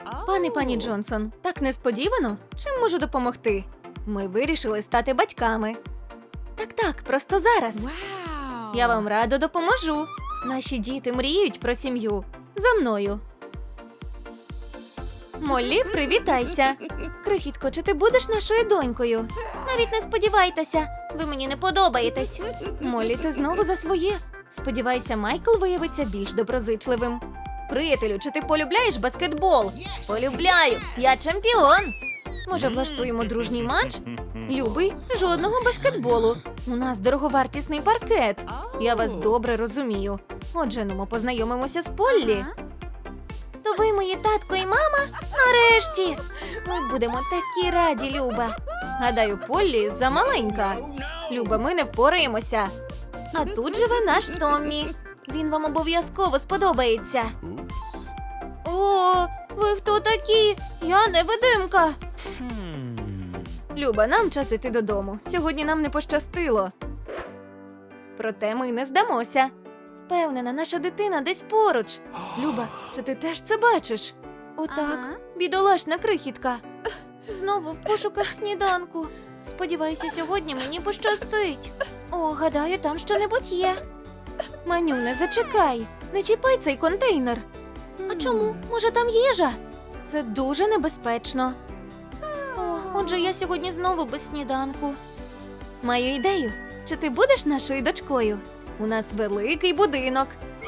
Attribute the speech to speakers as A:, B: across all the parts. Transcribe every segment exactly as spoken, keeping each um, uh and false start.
A: Пане пані Джонсон, так несподівано? Чим можу допомогти? Ми вирішили стати батьками. Так-так, просто зараз. Я вам радо допоможу. Наші діти мріють про сім'ю. За мною. Моллі, привітайся. Крихітко, чи ти будеш нашою донькою? Навіть не сподівайтеся. Ви мені не подобаєтесь. Моллі, ти знову за своє. Сподівайся, Майкл виявиться більш доброзичливим. Приятелю, чи ти полюбляєш баскетбол? Полюбляю. Я чемпіон. Може, влаштуємо дружній матч? Любий, жодного баскетболу. У нас дороговартісний паркет. Я вас добре розумію. Отже, ну, ми познайомимося з Поллі. То ви мої татко і мама? Нарешті! Ми будемо такі раді, Люба. Гадаю, Поллі замаленька. Люба, ми не впораємося. А тут живе наш Томмі. Він вам обов'язково сподобається. О, ви хто такі? Я невидимка. Люба, нам час іти додому. Сьогодні нам не пощастило. Проте ми не здамося. Впевнена, наша дитина десь поруч. Люба, чи ти теж це бачиш? Отак,
B: Ага.
A: бідолашна крихітка. Знову в пошуках сніданку. Сподіваюся, сьогодні мені пощастить. О, гадаю, там що-небудь є. Манюне, зачекай. Не чіпай цей контейнер. А чому? Може, там їжа? Це дуже небезпечно. О, отже, я сьогодні знову без сніданку. Маю ідею. Чи ти будеш нашою дочкою? У нас великий будинок.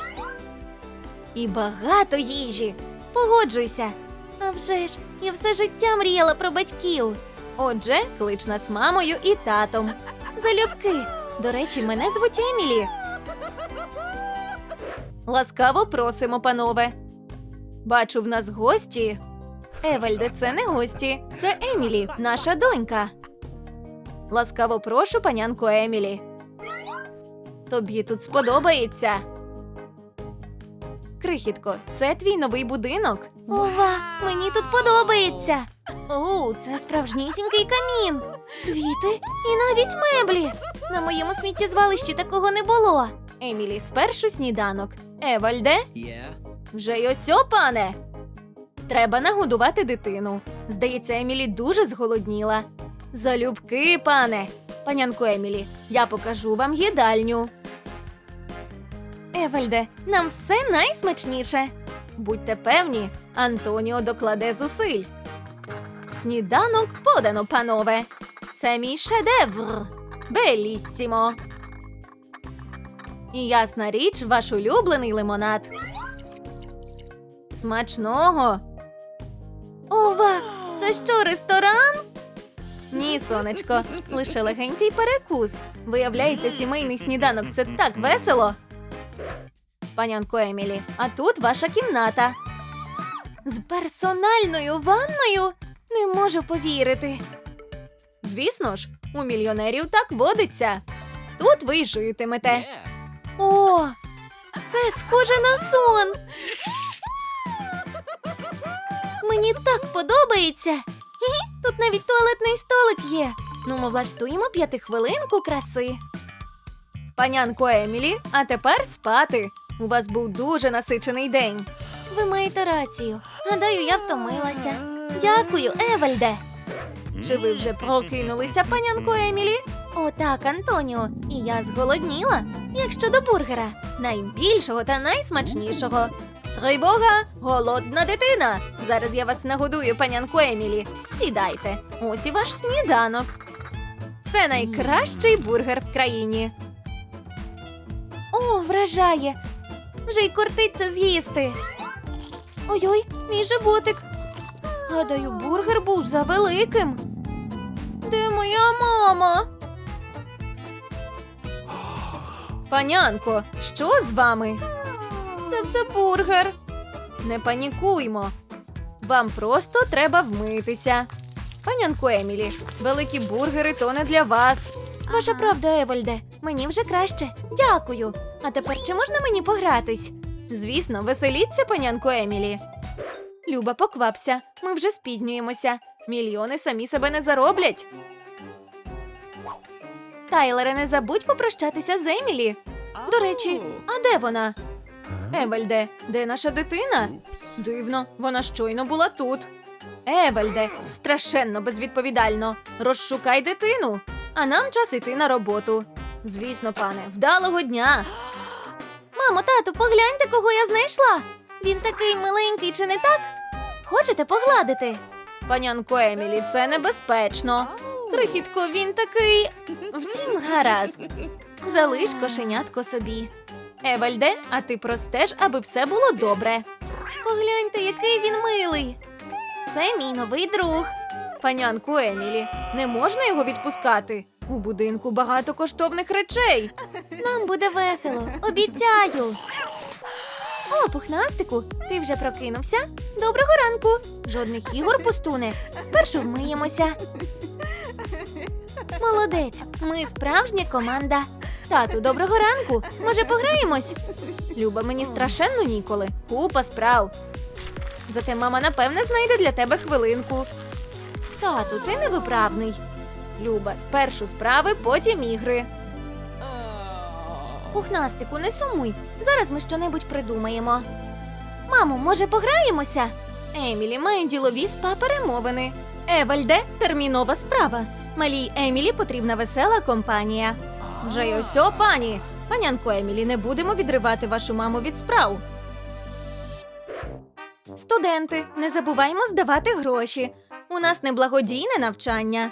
A: І багато їжі. Погоджуйся. А вже ж, я все життя мріяла про батьків. Отже, клич нас мамою і татом. Залюбки. До речі, мене звуть Емілі. Ласкаво просимо, панове. Бачу, в нас гості. Евальде, це не гості. Це Емілі, наша донька. Ласкаво прошу, панянко Емілі. Тобі тут сподобається. Крихітко, це твій новий будинок? Ова, мені тут подобається. О, це справжнісінький камін. Квіти і навіть меблі. На моєму сміттєзвалищі такого не було. Емілі, спершу сніданок. Евальде? Вже й осьо, пане. Треба нагодувати дитину. Здається, Емілі дуже зголодніла. Залюбки, пане. Панянко Емілі, я покажу вам їдальню. Евальде, нам все найсмачніше. Будьте певні, Антоніо докладе зусиль. Сніданок подано, панове. Це мій шедевр. Беліссімо. І ясна річ, ваш улюблений лимонад. Смачного. Ова, це що, ресторан? Ні, сонечко, лише легенький перекус. Виявляється, сімейний сніданок – це так весело. Панянко Емілі, а тут ваша кімната. З персональною ванною? Не можу повірити. Звісно ж, у мільйонерів так водиться. Тут ви й житимете. О, це схоже на сон. Мені так подобається. Хі-хі, тут навіть туалетний столик є. Ну, ми влаштуємо п'ятихвилинку краси. Панянко Емілі, а тепер спати. У вас був дуже насичений день. Ви маєте рацію. Гадаю, я втомилася. Дякую, Евальде. Чи ви вже прокинулися, панянко Емілі? О, так, Антоніо. І я зголодніла. Як щодо бургера? Найбільшого та найсмачнішого. Тривога! Голодна дитина! Зараз я вас нагодую, панянко Емілі. Сідайте. Ось і ваш сніданок. Це найкращий бургер в країні. О, вражає! Вже й кортиться з'їсти. Ой-ой, мій животик. Гадаю, бургер був завеликим. Де моя мама? Панянко, що з вами? Це все бургер. Не панікуймо. Вам просто треба вмитися. Панянко Емілі, великі бургери то не для вас. Ваша правда, Евальде. Мені вже краще. Дякую. А тепер чи можна мені погратись? Звісно, веселіться, панянко Емілі. Люба, поквапся. Ми вже спізнюємося. Мільйони самі себе не зароблять. Тайлере, не забудь попрощатися з Емілі. До речі, а де вона? Евальде, де наша дитина? Дивно, вона щойно була тут. Евальде, страшенно безвідповідально. Розшукай дитину, а нам час іти на роботу. Звісно, пане, вдалого дня. Мамо, тату, погляньте, кого я знайшла. Він такий миленький, чи не так? Хочете погладити? Панянко Емілі, це небезпечно. Крихітко, він такий... Втім, гаразд. Залиш кошенятко собі. Евальде, а ти простеж, аби все було добре. Погляньте, який він милий. Це мій новий друг. Панянку Емілі, не можна його відпускати? У будинку багато коштовних речей. Нам буде весело, обіцяю. О, пухнастику, ти вже прокинувся? Доброго ранку. Жодних ігор, пустуне. Спершу вмиємося. Молодець, ми справжня команда. Тату, доброго ранку. Може, пограємось? Люба, мені страшенно ніколи. Купа справ. Зате мама, напевне, знайде для тебе хвилинку. Тату, ти невиправний. Люба, спершу справи, потім ігри. Пухнастику, не сумуй. Зараз ми щонебудь придумаємо. Мамо, може, пограємося? Емілі має ділові спа-перемовини. Евальде, термінова справа. Малій Емілі потрібна весела компанія. Вже й осьо, пані. Панянко Емілі, не будемо відривати вашу маму від справ. Студенти, не забуваймо здавати гроші. У нас не благодійне навчання.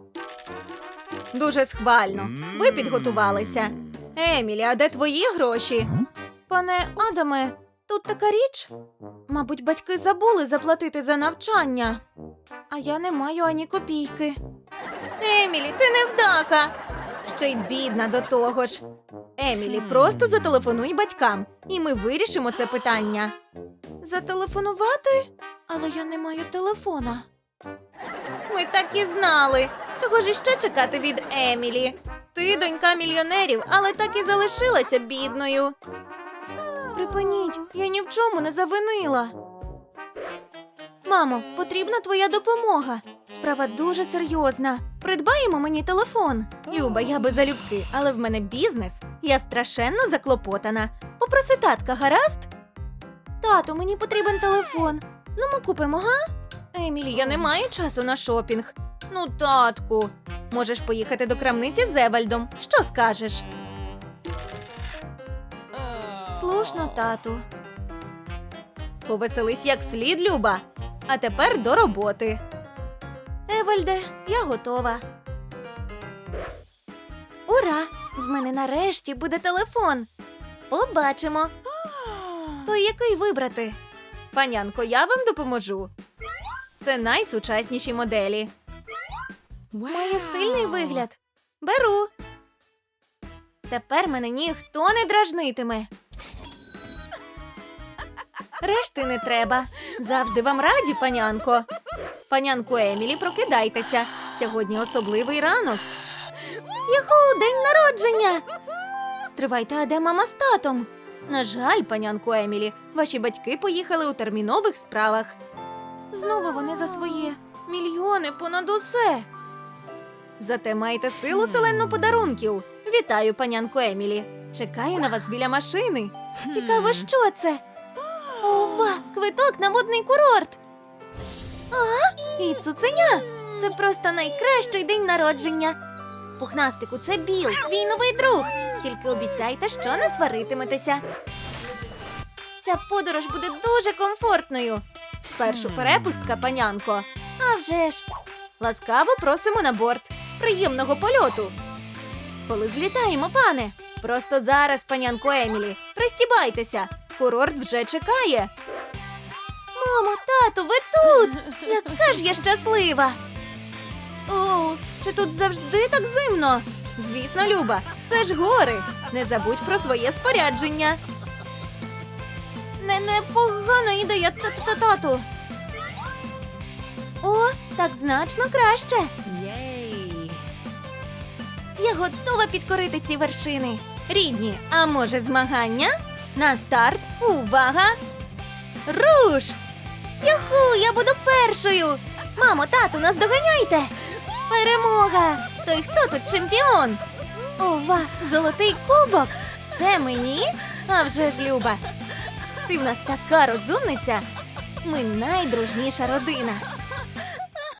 A: Дуже схвально. Ви підготувалися. Емілі, а де твої гроші? Пане Адаме, тут така річ. Мабуть, батьки забули заплатити за навчання. А я не маю ані копійки. Емілі, ти невдаха. Ще й бідна до того ж. Емілі, просто зателефонуй батькам, і ми вирішимо це питання. Зателефонувати? Але я не маю телефона. Ми так і знали. Чого ж іще чекати від Емілі? Ти донька мільйонерів, але так і залишилася бідною. Припиніть, я ні в чому не завинила. Мамо, потрібна твоя допомога. Справа дуже серйозна. Придбаємо мені телефон. Люба, я би залюбки, але в мене бізнес. Я страшенно заклопотана. Попроси татка, гаразд? Тату, мені потрібен телефон. Ну, ми купимо, га? Емілі, я не маю часу на шопінг. Ну, татку, можеш поїхати до крамниці з Евальдом. Що скажеш? Слушно, тату. Повеселись як слід, Люба. А тепер до роботи. Евальде, я готова. Ура! В мене нарешті буде телефон. Побачимо. То який вибрати? Панянко, я вам допоможу. Це найсучасніші моделі. Має стильний вигляд. Беру. Тепер мене ніхто не дражнитиме. Решти не треба. Завжди вам раді, панянко. Панянко Емілі, прокидайтеся. Сьогодні особливий ранок. Юху, день народження! Стривайте, а де мама з татом? На жаль, панянко Емілі, ваші батьки поїхали у термінових справах. Знову вони за своє. Мільйони понад усе. Зате маєте силу селенну подарунків. Вітаю, панянко Емілі. Чекаю на вас біля машини. Цікаво, що це? Ова, квиток на модний курорт. А, і цуценя. Це просто найкращий день народження. Пухнастику, це Біл, твій новий друг. Тільки обіцяйте, що не сваритиметеся. Ця подорож буде дуже комфортною. Спершу перепустка, панянко. А вже ж. Ласкаво просимо на борт. Приємного польоту. Коли злітаємо, пане? Просто зараз, панянко Емілі. Пристібайтеся. Курорт вже чекає. Мамо, тату, ви тут! Яка ж я щаслива! О, чи тут завжди так зимно? Звісно, Люба, це ж гори. Не забудь про своє спорядження. Не непогана ідея, тату. О, так значно краще.
B: Єй!
A: Я готова підкорити ці вершини. Рідні, а може змагання? На старт, увага! Руш! Юху, я буду першою! Мамо, тату, нас доганяйте! Перемога! Той хто тут чемпіон? Ова, золотий кубок! Це мені? А вже ж, Люба! Ти в нас така розумниця. Ми найдружніша родина.